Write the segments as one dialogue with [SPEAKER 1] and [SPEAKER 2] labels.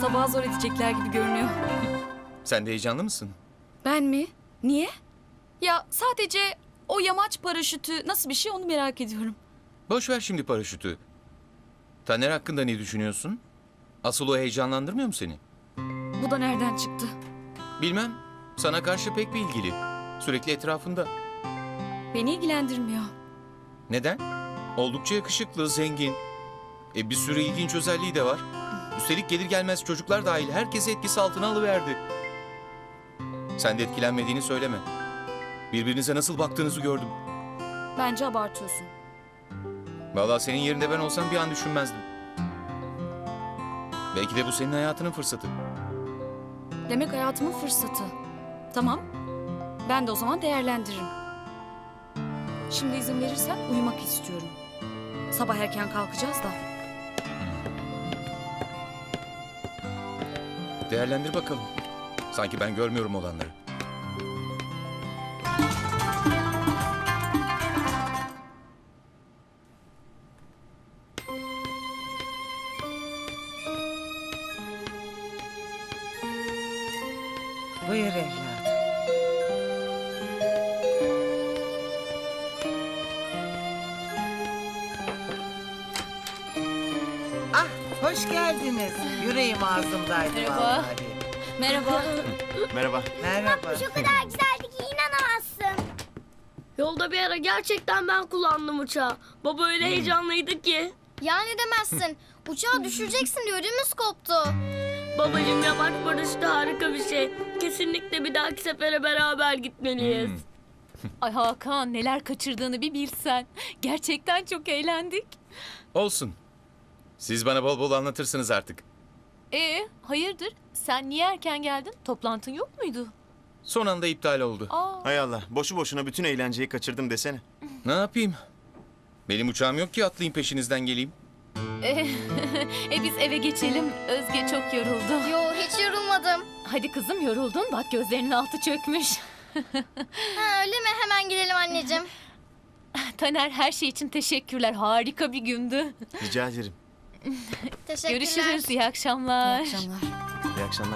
[SPEAKER 1] Sabah zor edecekler gibi görünüyor.
[SPEAKER 2] Sen de heyecanlı mısın?
[SPEAKER 1] Ben mi? Niye? Ya sadece o yamaç paraşütü nasıl bir şey onu merak ediyorum.
[SPEAKER 2] Boş ver şimdi paraşütü. Taner hakkında ne düşünüyorsun? Asıl o heyecanlandırmıyor mu seni?
[SPEAKER 1] Bu da nereden çıktı?
[SPEAKER 2] Bilmem. Sana karşı pek bir ilgili. Sürekli etrafında.
[SPEAKER 1] Beni ilgilendirmiyor.
[SPEAKER 2] Neden? Oldukça yakışıklı, zengin. Bir sürü ilginç özelliği de var. Üstelik gelir gelmez çocuklar dahil herkesi etkisi altına alıverdi. Sen de etkilenmediğini söyleme. Birbirinize nasıl baktığınızı gördüm.
[SPEAKER 1] Bence abartıyorsun.
[SPEAKER 2] Vallahi senin yerinde ben olsam bir an düşünmezdim. Belki de bu senin hayatının fırsatı.
[SPEAKER 1] Demek hayatımın fırsatı. Tamam. Ben de o zaman değerlendiririm. Şimdi izin verirsen uyumak istiyorum. Sabah erken kalkacağız da.
[SPEAKER 2] Değerlendir bakalım. Sanki ben görmüyorum olanları.
[SPEAKER 3] Buyur evladım. Ah, hoş geldiniz. Yüreğim ağzımdaydı
[SPEAKER 1] Merhaba.
[SPEAKER 3] vallahi.
[SPEAKER 1] Merhaba.
[SPEAKER 4] Merhaba.
[SPEAKER 3] Merhaba.
[SPEAKER 5] O kadar güzeldi ki inanamazsın.
[SPEAKER 6] Yolda bir ara gerçekten ben kullandım uçağı. Baba öyle heyecanlıydı ki.
[SPEAKER 5] Ya ne demezsin. Uçağı düşüreceksin diye ödümüz koptu.
[SPEAKER 6] Babacığım yamaç paraşütü harika bir şey. Kesinlikle bir dahaki sefere beraber gitmeliyiz.
[SPEAKER 7] Ay Hakan neler kaçırdığını bir bilsen. Gerçekten çok eğlendik.
[SPEAKER 2] Olsun. Siz bana bol bol anlatırsınız artık.
[SPEAKER 7] Hayırdır? Sen niye erken geldin? Toplantın yok muydu?
[SPEAKER 2] Son anda iptal oldu.
[SPEAKER 4] Hay Allah, boşu boşuna bütün eğlenceyi kaçırdım desene.
[SPEAKER 2] Ne yapayım? Benim uçağım yok ki atlayayım peşinizden geleyim.
[SPEAKER 7] Biz eve geçelim. Özge çok yoruldu.
[SPEAKER 5] Yo hiç yorulmadım.
[SPEAKER 7] Hadi kızım yoruldun. Bak gözlerinin altı çökmüş.
[SPEAKER 5] Ha, öyle mi? Hemen gidelim anneciğim.
[SPEAKER 7] Taner her şey için teşekkürler. Harika bir gündü.
[SPEAKER 4] Rica ederim.
[SPEAKER 5] Teşekkürler.
[SPEAKER 7] Görüşürüz. İyi akşamlar.
[SPEAKER 1] İyi akşamlar.
[SPEAKER 4] İyi akşamlar.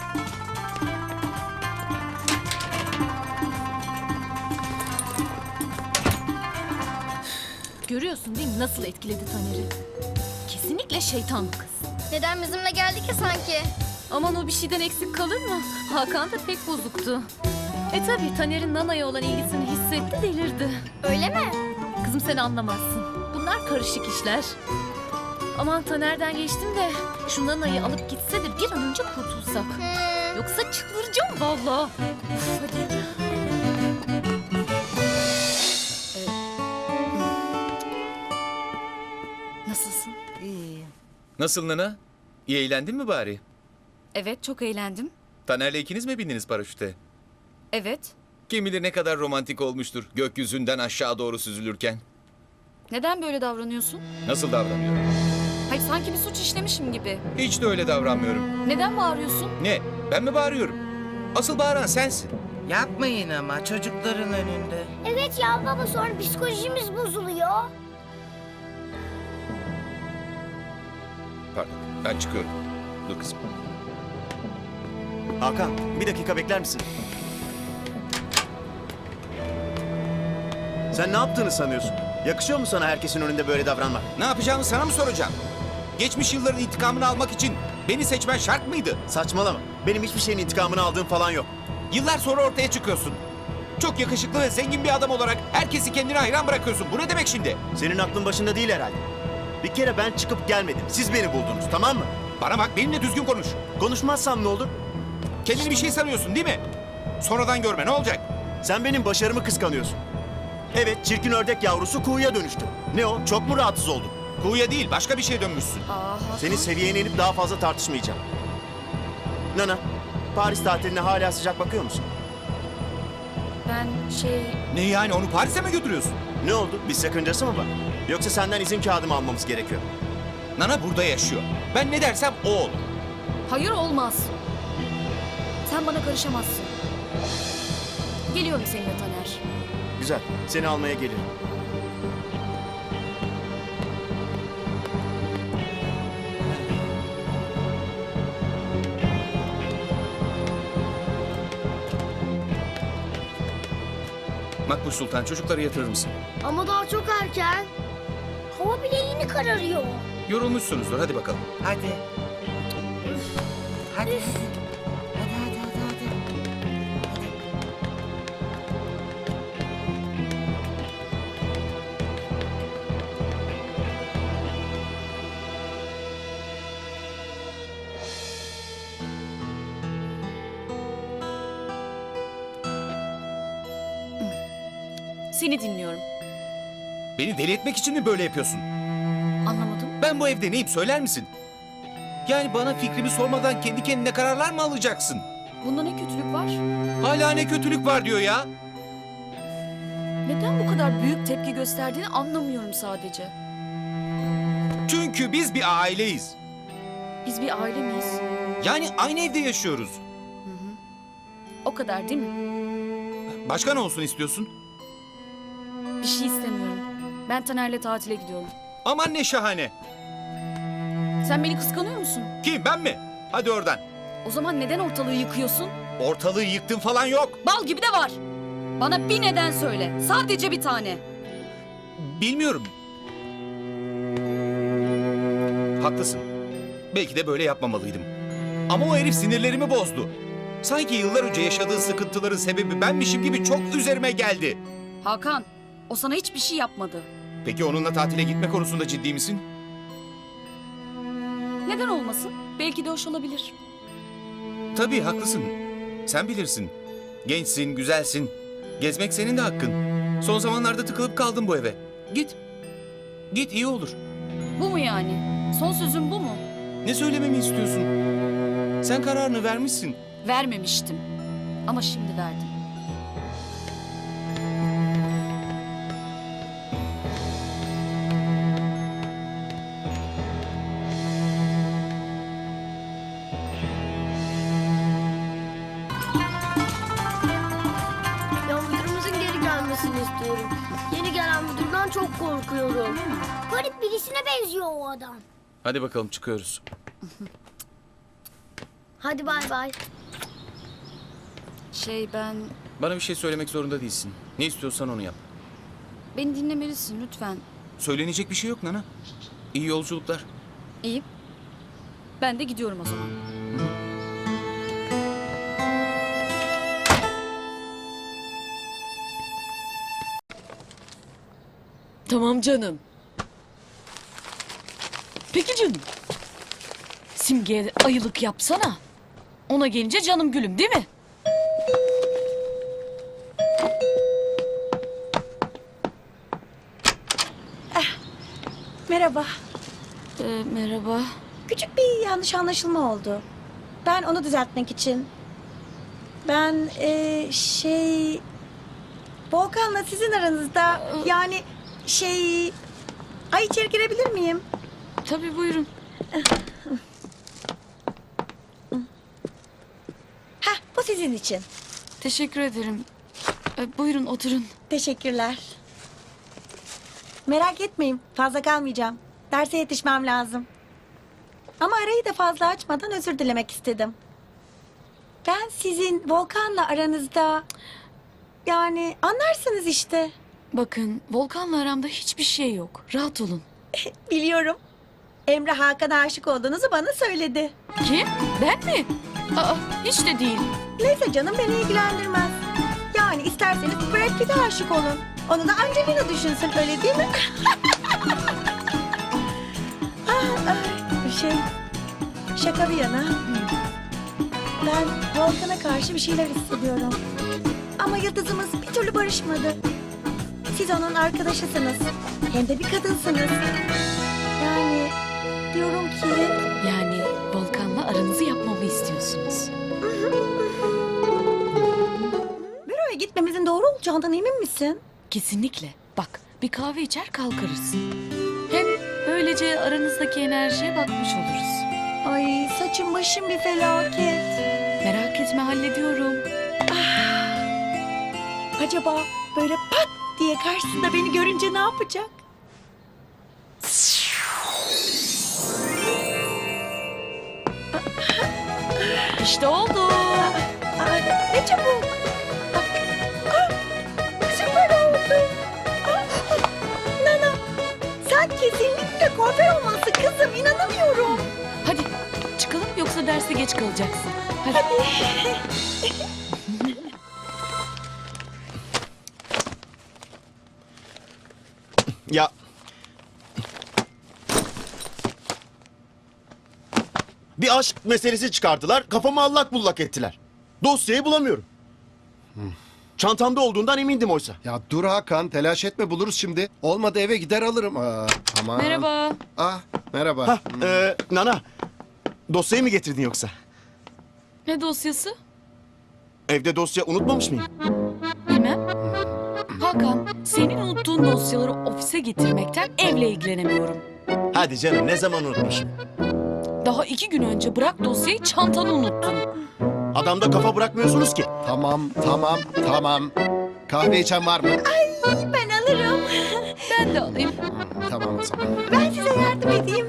[SPEAKER 7] Görüyorsun değil mi nasıl etkiledi Taner'i? Kesinlikle şeytan bu kız.
[SPEAKER 5] Neden bizimle geldi ki sanki?
[SPEAKER 7] Aman o bir şeyden eksik kalır mı? Hakan da pek bozuktu. Tabii Taner'in Nana'ya olan ilgisini hissetti, delirdi.
[SPEAKER 5] Öyle mi?
[SPEAKER 7] Kızım sen anlamazsın. Bunlar karışık işler. Aman Taner'den geçtim de şu Nana'yı alıp gitse de bir an önce kurtulsak. Yoksa çıldıracağım vallahi. Uf, hadi.
[SPEAKER 1] Nasılsın?
[SPEAKER 3] İyi.
[SPEAKER 2] Nasıl Nana? İyi eğlendin mi bari?
[SPEAKER 1] Evet, çok eğlendim.
[SPEAKER 2] Taner'le ikiniz mi bindiniz paraşüte?
[SPEAKER 1] Evet.
[SPEAKER 2] Kim bilir ne kadar romantik olmuştur gökyüzünden aşağı doğru süzülürken.
[SPEAKER 1] Neden böyle davranıyorsun?
[SPEAKER 2] Nasıl davranıyorum?
[SPEAKER 1] Hayır, sanki bir suç işlemişim gibi.
[SPEAKER 2] Hiç de öyle davranmıyorum.
[SPEAKER 1] Neden bağırıyorsun?
[SPEAKER 2] Ne? Ben mi bağırıyorum? Asıl bağıran sensin.
[SPEAKER 3] Yapmayın ama çocukların önünde.
[SPEAKER 5] Evet ya baba sonra psikolojimiz bozuluyor.
[SPEAKER 2] Pardon, ben çıkıyorum. Dur kızım.
[SPEAKER 4] Hakan, bir dakika bekler misin? Sen ne yaptığını sanıyorsun? Yakışıyor mu sana herkesin önünde böyle davranmak?
[SPEAKER 2] Ne yapacağımı sana mı soracağım? Geçmiş yılların intikamını almak için beni seçmen şart mıydı?
[SPEAKER 4] Saçmalama. Benim hiçbir şeyin intikamını aldığım falan yok.
[SPEAKER 2] Yıllar sonra ortaya çıkıyorsun. Çok yakışıklı ve zengin bir adam olarak herkesi kendine hayran bırakıyorsun. Bu ne demek şimdi?
[SPEAKER 4] Senin aklın başında değil herhalde. Bir kere ben çıkıp gelmedim. Siz beni buldunuz, tamam mı?
[SPEAKER 2] Bana bak, benimle düzgün konuş.
[SPEAKER 4] Konuşmazsam ne olur?
[SPEAKER 2] Kendini bir şey sanıyorsun değil mi? Sonradan görme, ne olacak?
[SPEAKER 4] Sen benim başarımı kıskanıyorsun. Evet, çirkin ördek yavrusu kuğuya dönüştü. Ne o? Çok mu rahatsız oldun?
[SPEAKER 2] Kuğuya değil, başka bir şeye dönmüşsün.
[SPEAKER 1] Hakan.
[SPEAKER 4] Senin seviyene inip daha fazla tartışmayacağım. Nana, Paris tatiline hala sıcak bakıyor musun?
[SPEAKER 1] Ben
[SPEAKER 2] Ne yani, onu Paris'e mi götürüyorsun?
[SPEAKER 4] Ne oldu? Bir sakıncası mı var? Yoksa senden izin kağıdımı almamız gerekiyor.
[SPEAKER 2] Nana burada yaşıyor. Ben ne dersem o olur.
[SPEAKER 1] Hayır, olmaz. Sen bana karışamazsın. Geliyorum seninle Taner.
[SPEAKER 4] Güzel, seni almaya gelirim.
[SPEAKER 2] Makbuş Sultan, çocukları yatırır mısın?
[SPEAKER 6] Ama daha çok erken. Hava bile yeni kararıyor.
[SPEAKER 2] Yorulmuşsunuzdur, hadi bakalım.
[SPEAKER 3] Hadi. Hadi. Hadi.
[SPEAKER 1] Seni dinliyorum.
[SPEAKER 2] Beni deli etmek için mi böyle yapıyorsun?
[SPEAKER 1] Anlamadım.
[SPEAKER 2] Ben bu evde neyim söyler misin? Yani bana fikrimi sormadan kendi kendine kararlar mı alacaksın?
[SPEAKER 1] Bunda ne kötülük var?
[SPEAKER 2] Hala ne kötülük var diyor ya.
[SPEAKER 1] Neden bu kadar büyük tepki gösterdiğini anlamıyorum sadece.
[SPEAKER 2] Çünkü biz bir aileyiz.
[SPEAKER 1] Biz bir aile miyiz?
[SPEAKER 2] Yani aynı evde yaşıyoruz.
[SPEAKER 1] O kadar değil mi?
[SPEAKER 2] Başka ne olsun istiyorsun?
[SPEAKER 1] Bir şey istemiyorum. Ben Taner'le tatile gidiyorum.
[SPEAKER 2] Aman ne şahane.
[SPEAKER 1] Sen beni kıskanıyor musun?
[SPEAKER 2] Kim, ben mi? Hadi oradan.
[SPEAKER 1] O zaman neden ortalığı yıkıyorsun?
[SPEAKER 2] Ortalığı yıktın falan yok.
[SPEAKER 1] Bal gibi de var. Bana bir neden söyle. Sadece bir tane.
[SPEAKER 2] Bilmiyorum. Haklısın. Belki de böyle yapmamalıydım. Ama o herif sinirlerimi bozdu. Sanki yıllar önce yaşadığı sıkıntıların sebebi benmişim gibi çok üzerime geldi.
[SPEAKER 1] Hakan, o sana hiçbir şey yapmadı.
[SPEAKER 2] Peki onunla tatile gitme konusunda ciddi misin?
[SPEAKER 1] Neden olmasın? Belki de hoş olabilir.
[SPEAKER 2] Tabii haklısın. Sen bilirsin. Gençsin, güzelsin. Gezmek senin de hakkın. Son zamanlarda tıkılıp kaldım bu eve. Git. Git, iyi olur.
[SPEAKER 1] Bu mu yani? Son sözün bu mu?
[SPEAKER 2] Ne söylememi istiyorsun? Sen kararını vermişsin.
[SPEAKER 1] Vermemiştim. Ama şimdi verdim.
[SPEAKER 6] Ya müdürümüzün geri gelmesini istiyorum. Yeni gelen müdürden çok korkuyorum.
[SPEAKER 5] Garip birisine benziyor o adam.
[SPEAKER 2] Hadi bakalım, çıkıyoruz.
[SPEAKER 6] Hadi bay bay.
[SPEAKER 1] Ben...
[SPEAKER 2] Bana bir şey söylemek zorunda değilsin. Ne istiyorsan onu yap.
[SPEAKER 1] Beni dinlemelisin lütfen.
[SPEAKER 2] Söylenecek bir şey yok Nana. İyi yolculuklar.
[SPEAKER 1] İyi. Ben de gidiyorum o zaman.
[SPEAKER 8] Tamam canım. Peki canım. Simge'ye ayılık yapsana. Ona gelince canım gülüm değil mi?
[SPEAKER 9] Merhaba.
[SPEAKER 1] Merhaba.
[SPEAKER 9] Küçük bir yanlış anlaşılma oldu. Ben onu düzeltmek için... Ben Volkan'la sizin aranızda yani Ay içeri girebilir miyim?
[SPEAKER 1] Tabii buyurun.
[SPEAKER 9] Heh bu sizin için.
[SPEAKER 1] Teşekkür ederim. Buyurun oturun.
[SPEAKER 9] Teşekkürler. Merak etmeyin fazla kalmayacağım. Derse yetişmem lazım. Ama arayı da fazla açmadan özür dilemek istedim. Ben sizin Volkan'la aranızda... Yani anlarsınız işte.
[SPEAKER 8] Bakın Volkan'la aramda hiçbir şey yok. Rahat olun.
[SPEAKER 9] Biliyorum. Emre Hakan'a aşık olduğunuzu bana söyledi.
[SPEAKER 8] Kim? Ben mi? Aa, hiç de değil.
[SPEAKER 9] Neyse canım beni ilgilendirmez. Yani isterseniz Brad Pitt'e aşık olun. Onu da Angelina düşünsün öyle değil mi? Şaka bir yana. Ben Volkan'a karşı bir şeyler hissediyorum. Ama yıldızımız bir türlü barışmadı. Siz onun arkadaşısınız. Hem de bir kadınsınız. Yani diyorum ki...
[SPEAKER 8] Yani Volkan'la aranızı yapmamı istiyorsunuz.
[SPEAKER 9] Büroya gitmemizin doğru olacağından emin misin?
[SPEAKER 8] Kesinlikle. Bak bir kahve içer kalkarız. Hem böylece aranızdaki enerjiye bakmış oluruz.
[SPEAKER 9] Ay saçım başım bir felaket.
[SPEAKER 8] Merak etme hallediyorum.
[SPEAKER 9] Acaba böyle pat diye karşısında beni görünce ne yapacak?
[SPEAKER 8] İşte oldu.
[SPEAKER 9] Ay, ne çabuk. Süper Kesinlikle kuaför olması kızım. İnanamıyorum.
[SPEAKER 8] Hadi çıkalım yoksa derse geç kalacaksın. Hadi.
[SPEAKER 4] Ya... Bir aşk meselesi çıkardılar, kafamı allak bullak ettiler. Dosyayı bulamıyorum. Çantamda olduğundan emindim oysa.
[SPEAKER 10] Ya dur Hakan, telaş etme, buluruz şimdi. Olmadı eve gider alırım. Tamam.
[SPEAKER 8] Merhaba.
[SPEAKER 10] Merhaba.
[SPEAKER 4] Hah, Nana, dosyayı mı getirdin yoksa?
[SPEAKER 8] Ne dosyası?
[SPEAKER 4] Evde dosya unutmamış mıyım?
[SPEAKER 8] Bilmem. Hakan, senin unuttuğun dosyaları ofise getirmekten evle ilgilenemiyorum.
[SPEAKER 4] Hadi canım, ne zaman unutmuşum?
[SPEAKER 8] Daha 2 gün önce bırak dosyayı çantanı unuttun.
[SPEAKER 4] Adamda kafa bırakmıyorsunuz ki.
[SPEAKER 10] Tamam. Kahve içen var mı?
[SPEAKER 9] Ben alırım.
[SPEAKER 8] Ben de alayım.
[SPEAKER 10] Tamam o zaman.
[SPEAKER 9] Ben size yardım edeyim.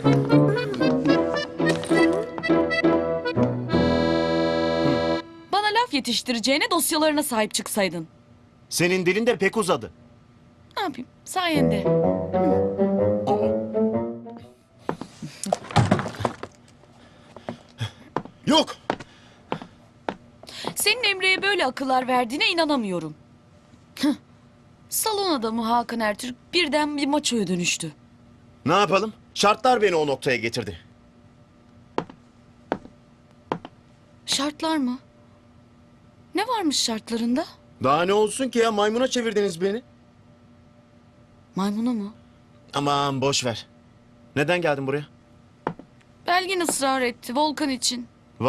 [SPEAKER 8] Bana laf yetiştireceğine dosyalarına sahip çıksaydın.
[SPEAKER 4] Senin dilin de pek uzadı.
[SPEAKER 8] Ne yapayım? Sayende.
[SPEAKER 4] Yok.
[SPEAKER 8] Senin Emre'ye böyle akıllar verdiğine inanamıyorum. Hıh. Salon adamı Hakan Ertürk birden bir maçoya dönüştü.
[SPEAKER 4] Ne yapalım? Şartlar beni o noktaya getirdi.
[SPEAKER 8] Şartlar mı? Ne varmış şartlarında?
[SPEAKER 4] Daha ne olsun ki ya, maymuna çevirdiniz beni.
[SPEAKER 8] Maymuna mı?
[SPEAKER 4] Aman boş ver. Neden geldin buraya?
[SPEAKER 8] Belgin ısrar etti Volkan için.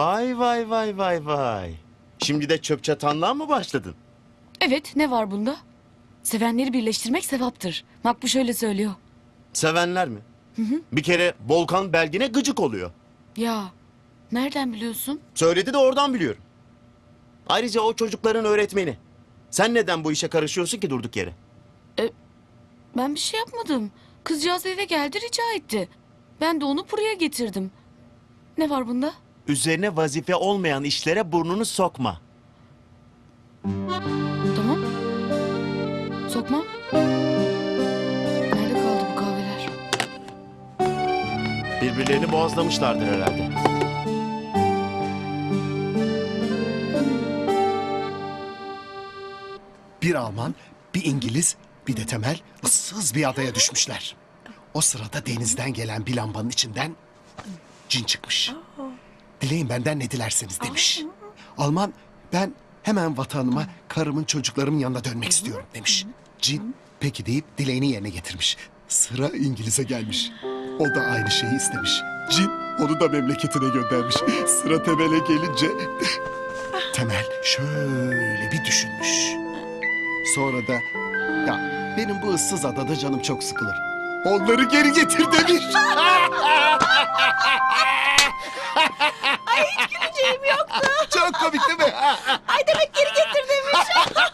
[SPEAKER 4] Vay. Şimdi de çöp çatanlığa mı başladın?
[SPEAKER 8] Evet, ne var bunda? Sevenleri birleştirmek sevaptır. Makbuş öyle söylüyor.
[SPEAKER 4] Sevenler mi? Bir kere Volkan Belgin'e gıcık oluyor.
[SPEAKER 8] Ya, nereden biliyorsun?
[SPEAKER 4] Söyledi de oradan biliyorum. Ayrıca o çocukların öğretmeni. Sen neden bu işe karışıyorsun ki durduk yere?
[SPEAKER 8] Ben bir şey yapmadım. Kızcağız eve geldi rica etti. Ben de onu buraya getirdim. Ne var bunda?
[SPEAKER 4] Üzerine vazife olmayan işlere burnunu sokma.
[SPEAKER 8] Tamam. Sokmam. Nerede kaldı bu kahveler?
[SPEAKER 4] Birbirlerini boğazlamışlardır herhalde.
[SPEAKER 10] Bir Alman, bir İngiliz, bir de Temel ıssız bir adaya düşmüşler. O sırada denizden gelen bir lambanın içinden cin çıkmış. Dileyin benden ne dilerseniz demiş. Alman, ben hemen vatanıma, karımın, çocuklarımın yanına dönmek istiyorum demiş. Cin peki deyip dileğini yerine getirmiş. Sıra İngiliz'e gelmiş. O da aynı şeyi istemiş. Cin onu da memleketine göndermiş. Sıra Temel'e gelince Temel şöyle bir düşünmüş. Sonra da ya benim bu ıssız adada canım çok sıkılır. Onları geri getir demiş.
[SPEAKER 9] Ay hiç güleceğim yoktu.
[SPEAKER 10] Çok komik değil mi?
[SPEAKER 9] Ay demek geri getir demiş.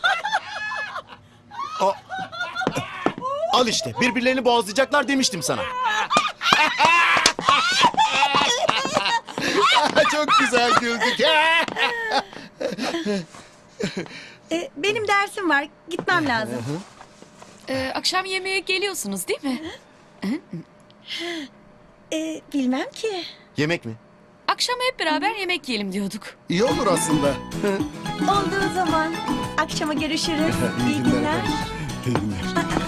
[SPEAKER 4] Al işte, birbirlerini boğazlayacaklar demiştim sana.
[SPEAKER 10] Çok güzel güldük.
[SPEAKER 9] Benim dersim var. Gitmem lazım.
[SPEAKER 8] Akşam yemeğe geliyorsunuz değil mi?
[SPEAKER 9] Bilmem ki.
[SPEAKER 4] Yemek mi?
[SPEAKER 8] Akşam hep beraber yemek yiyelim diyorduk.
[SPEAKER 10] İyi olur aslında.
[SPEAKER 9] Olduğu zaman akşama görüşürüz. İyi günler.
[SPEAKER 10] İyi günler.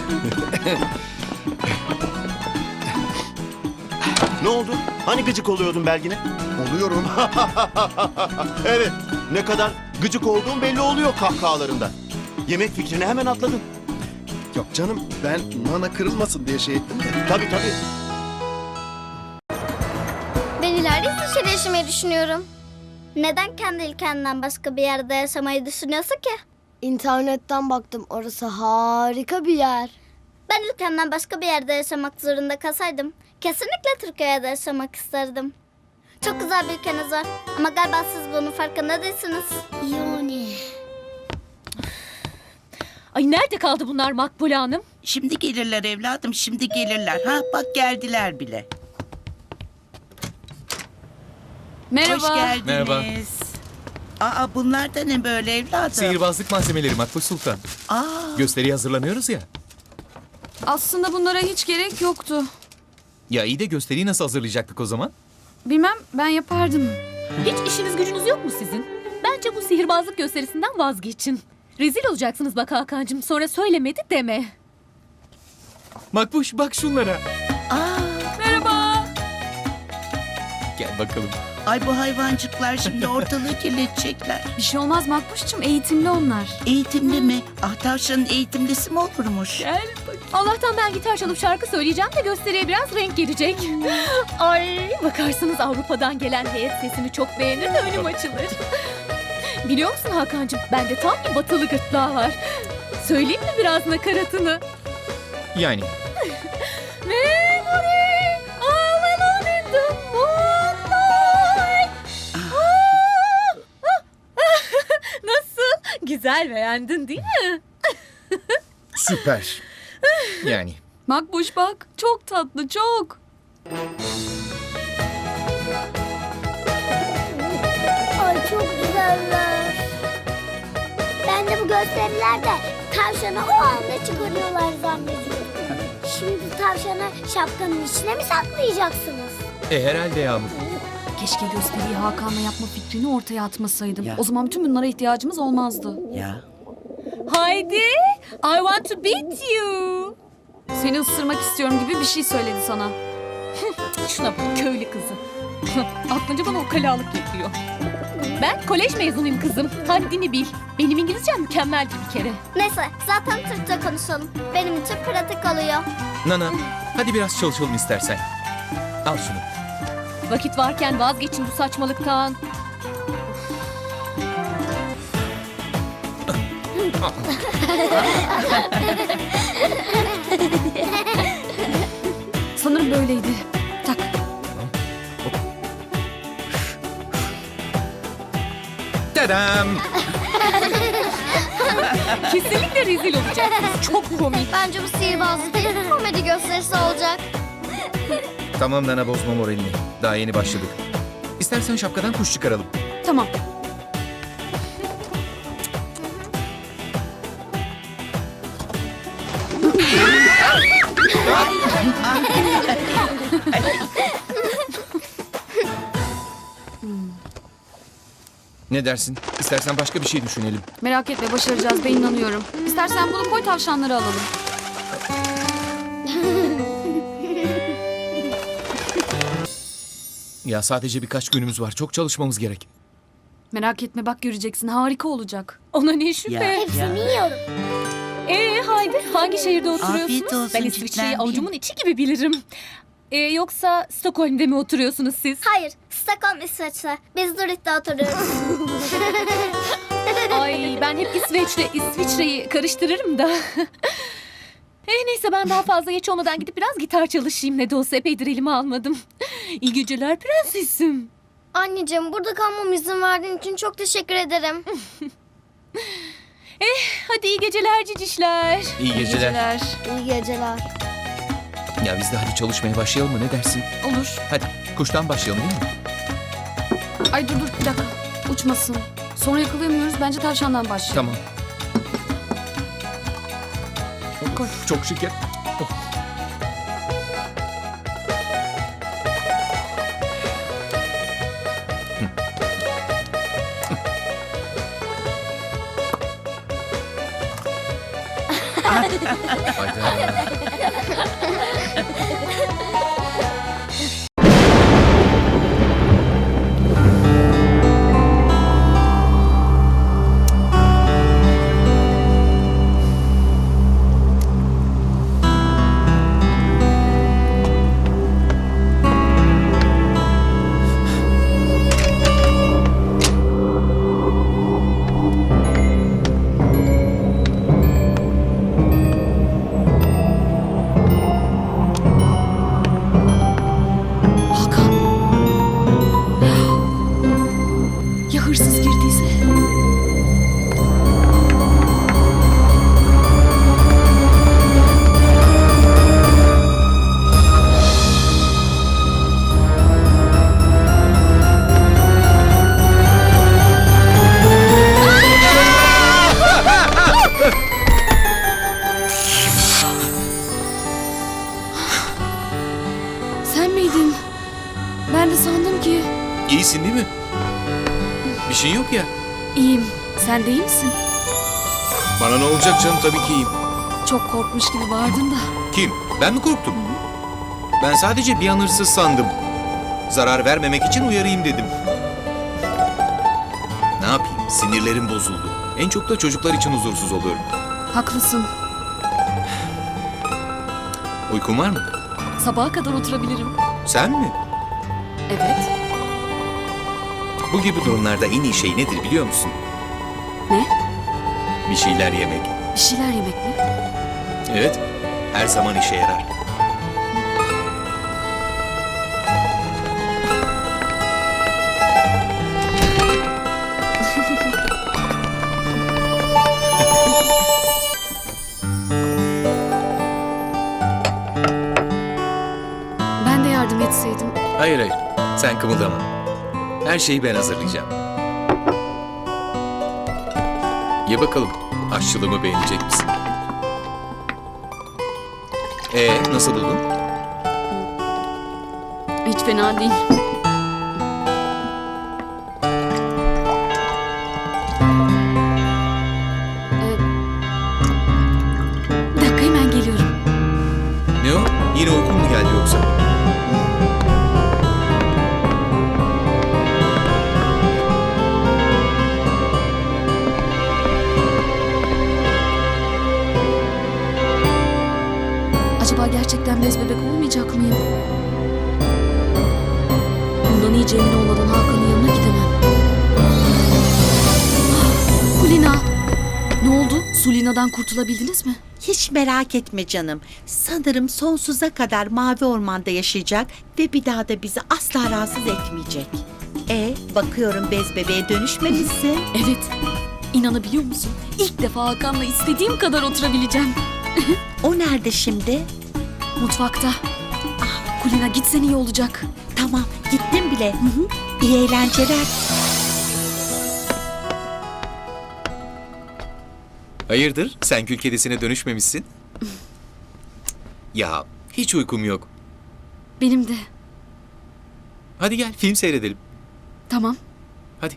[SPEAKER 4] Ne oldu? Hani gıcık oluyordun Belgin'e?
[SPEAKER 10] Oluyorum.
[SPEAKER 4] Evet, ne kadar gıcık olduğun belli oluyor kahkahalarında. Yemek fikrine hemen atladın.
[SPEAKER 10] Yok canım, ben Nana kırılmasın diye şey ettim de.
[SPEAKER 4] Tabii.
[SPEAKER 5] Ben ileride İsviçre'de yaşamayı düşünüyorum. Neden kendi ülkenden başka bir yerde yaşamayı düşünüyorsun ki?
[SPEAKER 6] İnternetten baktım. Orası harika bir yer.
[SPEAKER 5] Ben ülkemden başka bir yerde yaşamak zorunda kalsaydım kesinlikle Türkiye'de yaşamak isterdim. Çok güzel bir ülkeniz var ama galiba siz bunun farkında değilsiniz.
[SPEAKER 6] Yani.
[SPEAKER 7] Ay nerede kaldı bunlar Makbule Hanım?
[SPEAKER 3] Şimdi gelirler evladım, şimdi gelirler. Ha bak geldiler bile.
[SPEAKER 1] Merhaba.
[SPEAKER 3] Hoş geldiniz.
[SPEAKER 2] Merhaba.
[SPEAKER 3] Aa bunlar da ne böyle evladım?
[SPEAKER 2] Sihirbazlık malzemeleri Makbuş Sultan.
[SPEAKER 3] Aa
[SPEAKER 2] Gösteriye hazırlanıyoruz ya.
[SPEAKER 1] Aslında bunlara hiç gerek yoktu.
[SPEAKER 2] Ya iyi de gösteriyi nasıl hazırlayacaktık o zaman?
[SPEAKER 1] Bilmem, ben yapardım.
[SPEAKER 7] Hiç işiniz gücünüz yok mu sizin? Bence bu sihirbazlık gösterisinden vazgeçin. Rezil olacaksınız bak Hakan'cığım. Sonra söylemedi deme.
[SPEAKER 2] Makbuş bak şunlara.
[SPEAKER 1] Merhaba.
[SPEAKER 2] Gel bakalım.
[SPEAKER 3] Ay bu hayvancıklar şimdi ortalığı kirletecekler.
[SPEAKER 1] Bir şey olmaz Makbuş'cum, eğitimli onlar.
[SPEAKER 3] Eğitimli mi? Ah tavşanın eğitimlisi mi olurmuş?
[SPEAKER 7] Allah'tan ben gitar çalıp şarkı söyleyeceğim de gösteriye biraz renk gelecek. Ay bakarsınız Avrupa'dan gelen heyet sesimi çok beğenir de önüm açılır. Biliyor musun Hakan'cığım bende tam bir batılı gırtlağı var. Söyleyeyim mi biraz nakaratını?
[SPEAKER 2] Yani
[SPEAKER 7] Memory all alone in the moonlight. Nasıl? Güzel beğendin değil mi?
[SPEAKER 2] süper. Yani
[SPEAKER 1] Makbuş bak, çok tatlı, çok.
[SPEAKER 5] Ay çok güzeller. Ben de bu gösterilerde tavşanı o anda çıkarıyorlar zannediyorum. Şimdi tavşanı şapkanın içine mi saklayacaksınız?
[SPEAKER 2] herhalde Yağmur.
[SPEAKER 1] Keşke gösteriyi Hakan'la yapma fikrini ortaya atmasaydım.
[SPEAKER 3] Ya.
[SPEAKER 1] O zaman bütün bunlara ihtiyacımız olmazdı.
[SPEAKER 3] Ya.
[SPEAKER 7] Haydi, I want to beat you.
[SPEAKER 1] Seni ısırmak istiyorum gibi bir şey söyledi sana.
[SPEAKER 7] Şuna bak köylü kızı. Aklınca bana ukalalık yapıyor. Ben kolej mezunuyum kızım. Haddini bil. Benim İngilizcem mükemmeldi bir kere.
[SPEAKER 5] Neyse zaten Türkçe konuşalım. Benim için pratik oluyor.
[SPEAKER 2] Nana hadi biraz çalışalım istersen. Al şunu.
[SPEAKER 7] Vakit varken vazgeçin bu saçmalıktan.
[SPEAKER 1] Sanırım böyleydi. Tak.
[SPEAKER 2] Tadam.
[SPEAKER 7] Kesinlikle rezil olacaksınız. Çok komik.
[SPEAKER 5] Bence bu sihirbazlık değil, komedi gösterisi olacak.
[SPEAKER 2] Tamam Nana bozma moralini. Daha yeni başladık. İstersen şapkadan kuş çıkaralım.
[SPEAKER 1] Tamam.
[SPEAKER 2] Ne dersin? İstersen başka bir şey düşünelim.
[SPEAKER 1] Merak etme, başaracağız, ben inanıyorum. İstersen bunu koy, tavşanları alalım.
[SPEAKER 2] Ya sadece birkaç günümüz var. Çok çalışmamız gerek.
[SPEAKER 1] Merak etme, bak göreceksin, harika olacak.
[SPEAKER 7] Ona ne şüphe.
[SPEAKER 5] Hepsini yiyorum.
[SPEAKER 7] Haydi hangi şehirde oturuyorsunuz?
[SPEAKER 3] Afiyet olsun,
[SPEAKER 7] Ben İsviçre'yi
[SPEAKER 3] çitlenmeyeyim.
[SPEAKER 7] avucumun içi gibi bilirim. Yoksa Stockholm'de mi oturuyorsunuz siz?
[SPEAKER 5] Hayır, Stockholm İsveç'te. Biz Zürich'te oturuyoruz.
[SPEAKER 7] Ay ben hep İsviçre'yi karıştırırım da. Neyse ben daha fazla geç olmadan gidip biraz gitar çalışayım. Ne de olsa epeydir elime almadım. İyi geceler prensesim.
[SPEAKER 5] Anneciğim, burada kalmam izin verdiğin için çok teşekkür ederim.
[SPEAKER 7] Hadi iyi geceler cicişler.
[SPEAKER 2] İyi geceler.
[SPEAKER 5] İyi geceler.
[SPEAKER 2] Ya biz de hadi çalışmaya başlayalım mı? Ne dersin?
[SPEAKER 1] Olur.
[SPEAKER 2] Hadi kuştan başlayalım değil mi?
[SPEAKER 1] Ay dur bir dakika. Uçmasın. Sonra yakalayamıyoruz. Bence tavşandan başlayalım.
[SPEAKER 2] Tamam. Çok şeker. Hayda.
[SPEAKER 8] miydin? Ben de sandım ki.
[SPEAKER 2] İyisin değil mi? Bir şey yok ya.
[SPEAKER 8] İyiyim. Sen de iyi misin?
[SPEAKER 2] Bana ne olacak canım, tabii ki iyiyim.
[SPEAKER 8] Çok korkmuş gibi bağırdın da.
[SPEAKER 2] Kim? Ben mi korktum? Ben sadece bir an hırsız sandım. Zarar vermemek için uyarayım dedim. Ne yapayım? Sinirlerim bozuldu. En çok da çocuklar için huzursuz oluyorum.
[SPEAKER 8] Haklısın.
[SPEAKER 2] Uykun var mı?
[SPEAKER 8] Sabaha kadar oturabilirim.
[SPEAKER 2] Sen mi?
[SPEAKER 8] Evet.
[SPEAKER 2] Bu gibi durumlarda en iyi şey nedir biliyor musun?
[SPEAKER 8] Ne?
[SPEAKER 2] Bir şeyler yemek.
[SPEAKER 8] Bir şeyler yemek mi?
[SPEAKER 2] Evet, her zaman işe yarar.
[SPEAKER 8] Ben de yardım etseydim.
[SPEAKER 2] Hayır hayır, sen kımıldama. Her şeyi ben hazırlayacağım. Ye bakalım, aşçılığımı beğenecek misin? Nasıl buldun?
[SPEAKER 8] Hiç fena değil. Bir dakika, hemen geliyorum.
[SPEAKER 2] Ne o? Yine uykun mu geldi yoksa?
[SPEAKER 8] Acaba gerçekten bez bebek olmayacak mıyım? Bundan iyice emin olmadan Hakan'ın yanına gidemem. Kulina! Ne oldu? Sulina'dan kurtulabildiniz mi?
[SPEAKER 3] Hiç merak etme canım. Sanırım sonsuza kadar Mavi Orman'da yaşayacak ve bir daha da bizi asla rahatsız etmeyecek. Bakıyorum bez bebeğe dönüşmemişsin.
[SPEAKER 8] Evet. İnanabiliyor musun? İlk defa Hakan'la istediğim kadar oturabileceğim.
[SPEAKER 3] O nerede şimdi?
[SPEAKER 8] Mutfakta. Kulina, gitsen iyi olacak.
[SPEAKER 3] Tamam, gittim bile. İyi eğlenceler.
[SPEAKER 2] Hayırdır? Sen kül kedisine dönüşmemişsin? Ya, hiç uykum yok.
[SPEAKER 8] Benim de.
[SPEAKER 2] Hadi gel, film seyredelim.
[SPEAKER 8] Tamam.
[SPEAKER 2] Hadi.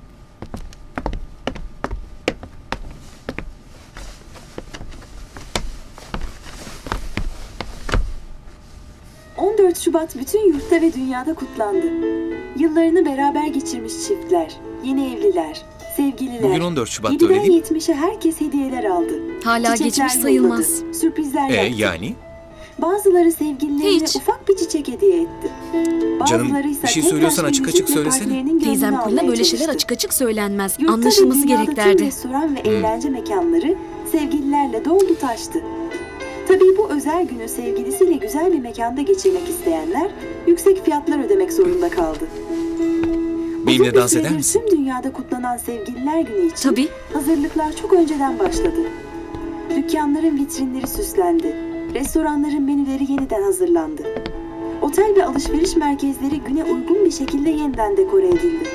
[SPEAKER 11] Şubat bütün yurtta ve dünyada kutlandı. Yıllarını beraber geçirmiş çiftler, yeni evliler, sevgililer.
[SPEAKER 2] Bugün 14 Şubat'ta öyle
[SPEAKER 11] 7'den
[SPEAKER 2] değil mi?
[SPEAKER 11] 70'e herkes hediyeler aldı.
[SPEAKER 8] Hala
[SPEAKER 11] Çiçekler
[SPEAKER 8] geçmiş
[SPEAKER 11] yolladı,
[SPEAKER 8] sayılmaz.
[SPEAKER 11] Sürprizler yaptı.
[SPEAKER 2] Yani?
[SPEAKER 11] Bazıları sevgililerine
[SPEAKER 8] Hiç.
[SPEAKER 11] ufak bir çiçek hediye etti.
[SPEAKER 2] Canım,
[SPEAKER 11] Bazıları ise
[SPEAKER 2] bir şey
[SPEAKER 11] tek
[SPEAKER 2] söylüyorsan
[SPEAKER 11] taş bir
[SPEAKER 2] açık açık
[SPEAKER 11] müzikle
[SPEAKER 2] söylesene.
[SPEAKER 11] partilerinin gönlünü
[SPEAKER 8] Teyzem Kulina
[SPEAKER 11] almaya
[SPEAKER 8] böyle şeyler
[SPEAKER 11] çalıştı.
[SPEAKER 8] açık açık söylenmez.
[SPEAKER 11] Yurtta ve
[SPEAKER 8] Anlaşılması
[SPEAKER 11] dünyada
[SPEAKER 8] gerek
[SPEAKER 11] tüm
[SPEAKER 8] derdi.
[SPEAKER 11] restoran ve eğlence mekanları sevgililerle doldu taştı. Tabii bu özel günü sevgilisiyle güzel bir mekanda geçirmek isteyenler yüksek fiyatlar ödemek zorunda kaldı.
[SPEAKER 2] Benimle
[SPEAKER 11] Uzun bir
[SPEAKER 2] dans eder
[SPEAKER 11] süredir
[SPEAKER 2] misin?
[SPEAKER 11] Tüm dünyada kutlanan Sevgililer Günü için
[SPEAKER 8] Tabii.
[SPEAKER 11] hazırlıklar çok önceden başladı. Dükkanların vitrinleri süslendi. Restoranların menüleri yeniden hazırlandı. Otel ve alışveriş merkezleri güne uygun bir şekilde yeniden dekore edildi.